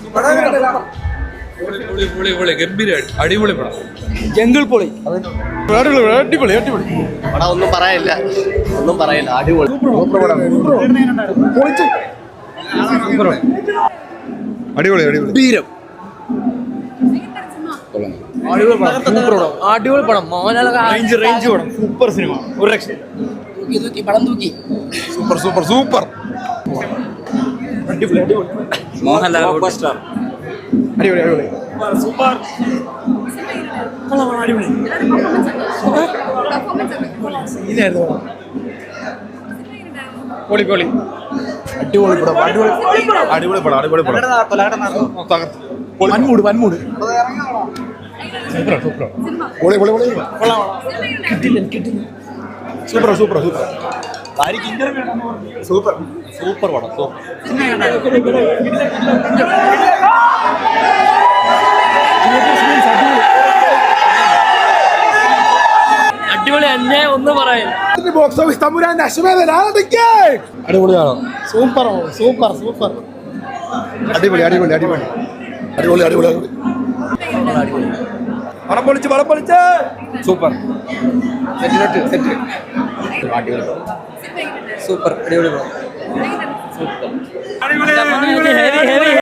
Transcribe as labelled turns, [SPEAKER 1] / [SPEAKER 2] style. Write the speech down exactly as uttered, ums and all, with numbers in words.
[SPEAKER 1] അടിപൊളി പടം.
[SPEAKER 2] ജംഗിൾ പൊളി.
[SPEAKER 1] അടിപൊളി അടിപൊളി
[SPEAKER 3] പടം. ഒന്നും പറയാനില്ല, ഒന്നും പറയാനില്ല. അടിപൊളി.
[SPEAKER 1] അടിപൊളി അടിപൊളി
[SPEAKER 2] വീരം. അടിപൊളി പടം. മോഹൻലാൽ
[SPEAKER 1] റേഞ്ച് പടം. Super cinema. ഒരു രക്ഷ.
[SPEAKER 2] തൂക്കി പടം തൂക്കി.
[SPEAKER 1] Super super super.
[SPEAKER 2] അടിപൊളി അടിപൊളി.
[SPEAKER 1] മോഹൻലാൽ സ്റ്റാർ.
[SPEAKER 2] അടിപൊളി അടിപൊളി.
[SPEAKER 1] സൂപ്പർ. പൊളി പൊളി.
[SPEAKER 2] അടിപൊളി പടം. അടിപൊളി
[SPEAKER 1] അടിപൊളി പടം. അടിപൊളി പടം.
[SPEAKER 2] വൻമൂട് വൻമൂട്.
[SPEAKER 1] പൊളി പൊളി പൊളി. Super super super. Super super പടം.
[SPEAKER 2] അടിപൊളി തന്നെ ഒന്നും പറയാൻ.
[SPEAKER 1] ബോക്സ് ഓഫീസ് തമ്പുരാന്റെ അടിപൊളിയാണോ?
[SPEAKER 2] Super super super.
[SPEAKER 1] അടിപൊളി അടിപൊളി അടിപൊളി അടിപൊളി അടിപൊളി അടിപൊളി. പടം പൊളിച്ച് പടം പൊളിച്ച്. സൂപ്പർ. Set set. അടിപൊളി
[SPEAKER 2] സൂപ്പർ അടിപൊളി.
[SPEAKER 1] സൂപ്പർ.